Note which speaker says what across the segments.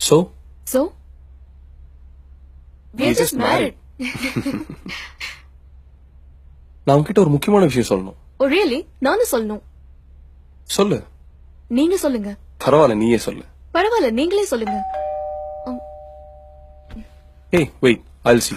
Speaker 1: So?
Speaker 2: So? We're just married.
Speaker 1: நான் உன்கிட்ட ஒரு முக்கியமான விஷயம் சொல்லணும்.
Speaker 2: Oh really? நானும் சொல்லணும்.
Speaker 1: சொல்லு.
Speaker 2: நீங்க சொல்லுங்க.
Speaker 1: பரவாயில்ல, நீயே சொல்லு.
Speaker 2: பரவாயில்ல, நீங்களே சொல்லுங்க.
Speaker 1: Hey, wait, I'll see.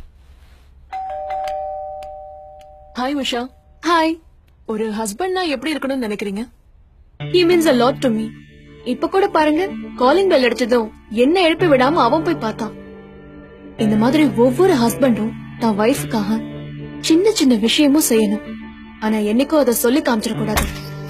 Speaker 3: Hi Usha.
Speaker 2: Hi.
Speaker 3: ஒரு ஹஸ்பண்ட்னா எப்படி இருக்கணும்னு நினைக்கிறீங்க?
Speaker 2: He means a lot to me. இப்ப கூட பாருங்க, காலிங் பெல் அடிச்சதும் என்ன எழுப்பி விடாம அவன் போய் பார்த்தான். இந்த மாதிரி ஒவ்வொரு ஹஸ்பண்டும் தான் வைஃப்காக சின்ன சின்ன விஷயமும் செய்யணும். ஆனா என்னைக்கும் அதை சொல்லி காமிச்சிட கூடாது.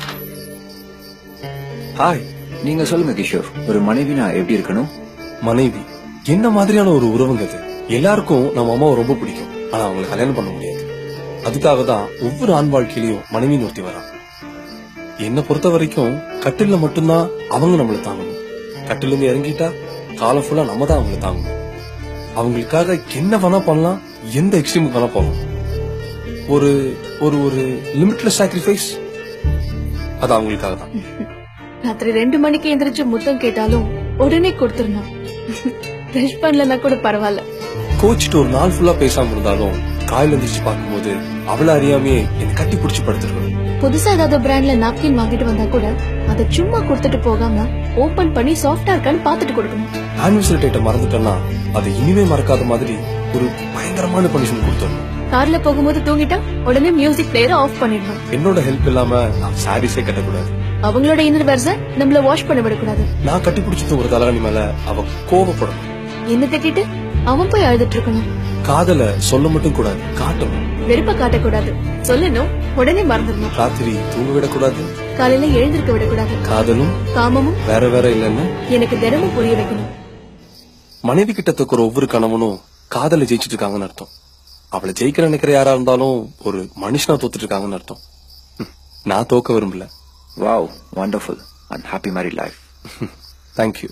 Speaker 4: ஹாய், நீங்க சொல்லுங்க கிஷோர். ஒரு மனைவினா எப்படி இருக்கணும்?
Speaker 1: மனைவி என்ன மாதிரியான ஒரு உறவுங்க அது? எல்லாருக்கும் நம்ம அம்மாவை ரொம்ப பிடிக்கும். ஆனா அவங்களை கல்யாணம் பண்ண முடியாது. அதுக்காக தான் ஒவ்வொரு ஆண் வாழ்க்கையிலயும் மனைவின்னு ஒருத்தி வரா. என்ன பொறுத்த வரைக்கும் கட்டில்ல மட்டும்தான் அவங்க நம்மள தாங்கணும். கட்டில இருந்து இறங்கிட்டா காலம் ஃபுல்லா நம்ம தான் அவங்களை தாங்கணும். அவங்களுக்காக என்ன வேணா பண்ணலாம், எந்த எக்ஸ்ட்ரீமுக்கு வேணா போகலாம். ஒரு ஒரு ஒரு லிமிட்லெஸ் சாக்ரிஃபைஸ் அது அவங்களுக்காக தான்.
Speaker 2: ராத்திரி 2 மணிக்கு எந்திரிச்சு முத்தம் கேட்டாலும் உடனே கொடுத்துடணும். பிரஷ் பண்ணலன்னா கூட பரவாயில்ல.
Speaker 1: கோச்சிட்டு ஒரு நாள் ஃபுல்லா பேசாம இருந்தாலும் காலையில எந்திரிச்சு பார்க்கும்போது அவளை அறியாமையே என்னை கட்டி பிடிச்சி படுத்துருவேன்.
Speaker 2: புதுசா ஏதாவது பிராண்ட்ல நாப்கின் வாங்கிட்டு வந்தா கூட அதை சும்மா கொடுத்துட்டு போகாம ஓபன் பண்ணி சாஃப்டா இருக்கான்னு பாத்துட்டு கொடுக்கணும்.
Speaker 1: ஆனிவர்சரி டேட்டை மறந்துட்டேன்னா அதை இனிமே மறக்காத மாதிரி ஒரு பயங்கரமான பனிஷ்மெண்ட் கொடுத்துடணும்.
Speaker 2: கார்ல போகும்போது தூங்கிட்டா உடனே மியூசிக் பிளேயரை ஆஃப் பண்ணிடணும்.
Speaker 1: என்னோட ஹெல்ப் இல்லாம நான் சாரீஸே கட்டக்கூடாது.
Speaker 2: அவங்களோட இன்னர் வேர்ஸ நம்மள வாஷ் பண்ண விடக்கூடாது.
Speaker 1: நான் கட்டி பிடிச்சது ஒரு தலைவணி மேல அவ கோபப்படணும்.
Speaker 2: என்ன திட்டிட்டு அவன் போய் அழுதுட்டு இருக்கணும்.
Speaker 1: காதல சொல்ல மட்டும் கூடாது, காட்டணும்.
Speaker 2: வெறுப்ப காட்டக்கூடாது, சொல்லணும், உடனே மறந்துடணும்.
Speaker 1: ராத்திரி தூங்க விடக்கூடாது,
Speaker 2: காலையில எழுந்திருக்க விடக்கூடாது.
Speaker 1: காதலும்
Speaker 2: காமமும்
Speaker 1: வேற வேற இல்லைன்னு
Speaker 2: எனக்கு தினமும் புரிய வைக்கணும்.
Speaker 1: மனைவி கிட்ட தக்கிற ஒவ்வொரு கணவனும் காதல ஜெயிச்சிட்டு இருக்காங்கன்னு அர்த்தம். அவளை ஜெயிக்க நினைக்கிற யாரா இருந்தாலும் ஒரு மனுஷனா தோத்துட்டு இருக்காங்கன்னு அர்த்தம். நான் தோக்க விரும்பல.
Speaker 4: Wow, wonderful and happy married life.
Speaker 1: Thank you.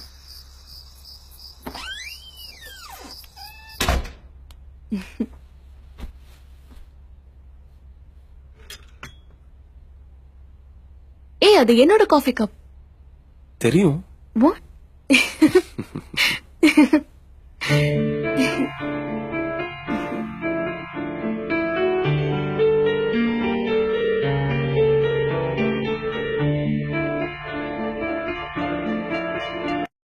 Speaker 2: ஏய், அது என்னோட காஃபி கப்.
Speaker 1: தெரியும்.
Speaker 2: What?